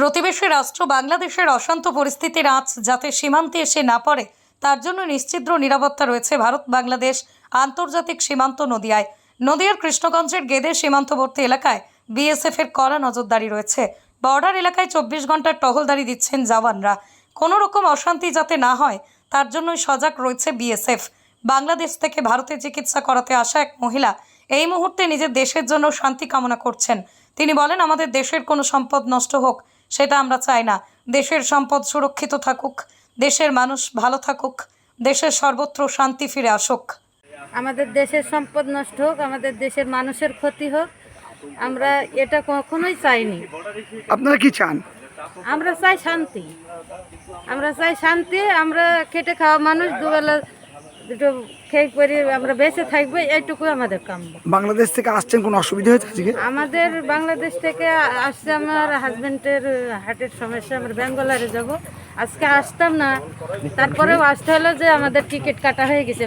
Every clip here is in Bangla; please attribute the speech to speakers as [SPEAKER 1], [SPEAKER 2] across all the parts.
[SPEAKER 1] প্রতিবেশী রাষ্ট্র বাংলাদেশের অশান্ত পরিস্থিতির আঁচ যাতে সীমান্তে এসে না পড়ে তার জন্য নিশ্চিদ্র নিরাপত্তা রয়েছে ভারত বাংলাদেশ আন্তর্জাতিক সীমান্ত নদিয়ায়। নদিয়ার কৃষ্ণগঞ্জের গেদে সীমান্তবর্তী এলাকায় বিএসএফ এর কড়া নজরদারি রয়েছে। বর্ডার এলাকায় 24 ঘন্টার টহলদারি দিচ্ছেন জওয়ানরা। কোনো রকম অশান্তি যাতে না হয় তার জন্যই সজাগ রয়েছে বিএসএফ। বাংলাদেশ থেকে ভারতে চিকিৎসা করাতে আসা এক মহিলা এই মুহূর্তে নিজের দেশের জন্য শান্তি কামনা করছেন। তিনি বলেন, আমাদের দেশের কোনো সম্পদ নষ্ট হোক সেটা আমরা চাই না। দেশের সম্পদ সুরক্ষিত থাকুক, দেশের মানুষ ভালো থাকুক, দেশের সর্বত্র শান্তি ফিরে আসুক।
[SPEAKER 2] আমাদের দেশের সম্পদ নষ্ট হোক, আমাদের দেশের মানুষের ক্ষতি হোক, আমরা এটা কখনোই চাইনি।
[SPEAKER 3] আপনারা কি চান?
[SPEAKER 2] আমরা চাই শান্তি, আমরা চাই শান্তি। আমরা খেটে খাওয়া মানুষ, দুবেলা দুটো খেয়ে করে আমরা বেঁচে থাকবো, এইটুকুই আমাদের কাম।
[SPEAKER 3] বাংলাদেশ থেকে আসছেন, কোনো অসুবিধা হয়েছে আজকে?
[SPEAKER 2] আমাদের বাংলাদেশ থেকে আসছে, আমার হাজবেন্ডের হার্টের সমস্যা, আমরা বেঙ্গলারে যাব। আজকে আসতাম না, তারপরেও আসতে হলো যে আমাদের টিকিট কাটা হয়ে গেছে।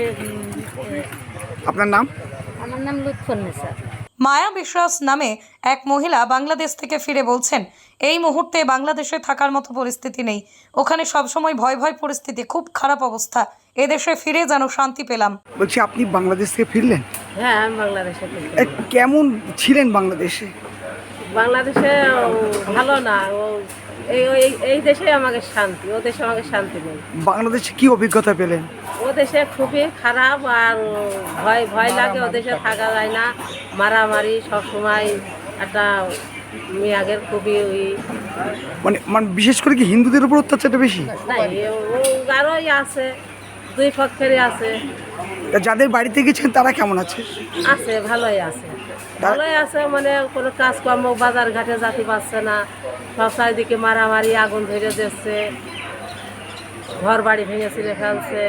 [SPEAKER 3] আপনার নাম?
[SPEAKER 2] আমার নাম লুৎফুন্নেসা।
[SPEAKER 1] মায়া বিশ্বাস নামে এক মহিলা বাংলাদেশ থেকে ফিরে বলছেন, এই মুহূর্তে বাংলাদেশে থাকার মতো পরিস্থিতি নেই। ওখানে সবসময় ভয় ভয় পরিস্থিতি, খুব খারাপ অবস্থা। এদেশে ফিরে যেন শান্তি পেলাম।
[SPEAKER 3] বলছি, আপনি বাংলাদেশ থেকে ফিরলেন?
[SPEAKER 2] হ্যাঁ, আমি বাংলাদেশে।
[SPEAKER 3] কেমন ছিলেন বাংলাদেশে?
[SPEAKER 2] বাংলাদেশে ভালো না, এই দেশে আমাকে শান্তি, ও দেশে আমাকে শান্তি নেই।
[SPEAKER 3] বাংলাদেশে কি অভিজ্ঞতা পেলেন?
[SPEAKER 2] ও দেশে খুবই খারাপ, আর ভয় ভয় লাগে। ও দেশে থাকা যায় না, মারামারি সবসময়। একটা মেয়াগের খুবই
[SPEAKER 3] মানে বিশেষ করে কি হিন্দুদের উপর অত্যাচারটা বেশি?
[SPEAKER 2] নাই, ও আরোই আছে, দুই পক্ষেরই আছে।
[SPEAKER 3] যাদের বাড়িতে গেছেন তারা কেমন আছে?
[SPEAKER 2] আছে, ভালোই আছে, ভালোই আছে। মানে কোনো কাজকর্ম বাজার ঘাটে যেতে পারছে না, সব চারিদিকে মারামারি, আগুন ধরে দিচ্ছে, ঘর বাড়ি ভেঙে ছিঁড়ে ফেলছে।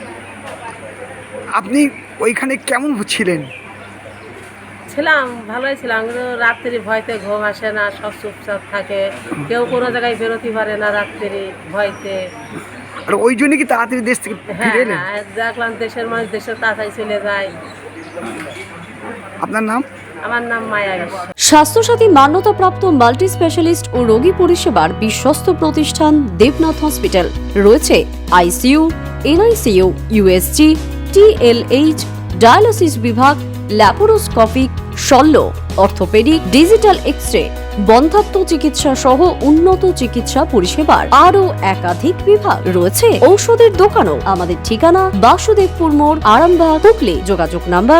[SPEAKER 3] আপনি ওইখানে কেমন ছিলেন?
[SPEAKER 2] ছিলাম, ভালোই ছিলাম, কিন্তু রাত্রি ভয়তে ঘুম আসে না, সব চুপচাপ থাকে, কেউ কোনো জায়গায় বেরোতে পারে না রাত্রি ভয়তে।
[SPEAKER 3] আর ওই জন্য কি তাড়াতাড়ি দেশ থেকে ফিরে এলেন?
[SPEAKER 2] হ্যাঁ, দেখলাম দেশের মানুষ দেশে তাড়াতাড়ি চলে যায়।
[SPEAKER 3] আপনার নাম?
[SPEAKER 2] আমার নাম মায়া বিশ্বাস।
[SPEAKER 4] স্বাস্থ্যসাথী মান্যতাপ্রাপ্ত মাল্টি স্পেশালিস্ট ও রোগী পরিষেবার বিশ্বস্ত প্রতিষ্ঠান দেবনাথ হসপিটাল। রয়েছে ICU, NICU, USG, TLH, dialysis বিভাগ, ল্যাপারোস্কোপিক, শল্য, অর্থোপেডিক, ডিজিটাল এক্স-রে, বন্ধ্যাত্ব চিকিৎসা সহ উন্নত চিকিৎসা পরিষেবার আরও একাধিক বিভাগ রয়েছে। ঔষধের দোকানও। আমাদের ঠিকানা বাসুদেবপুর মোড়, আরামবাগ, হুগলি। যোগাযোগ নাম্বার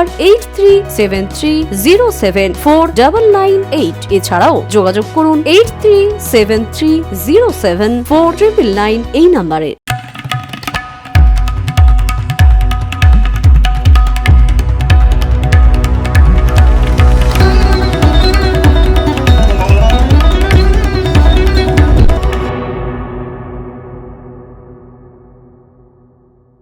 [SPEAKER 4] 8373074998। এছাড়াও যোগাযোগ করুন 8373074999 এই নাম্বারে।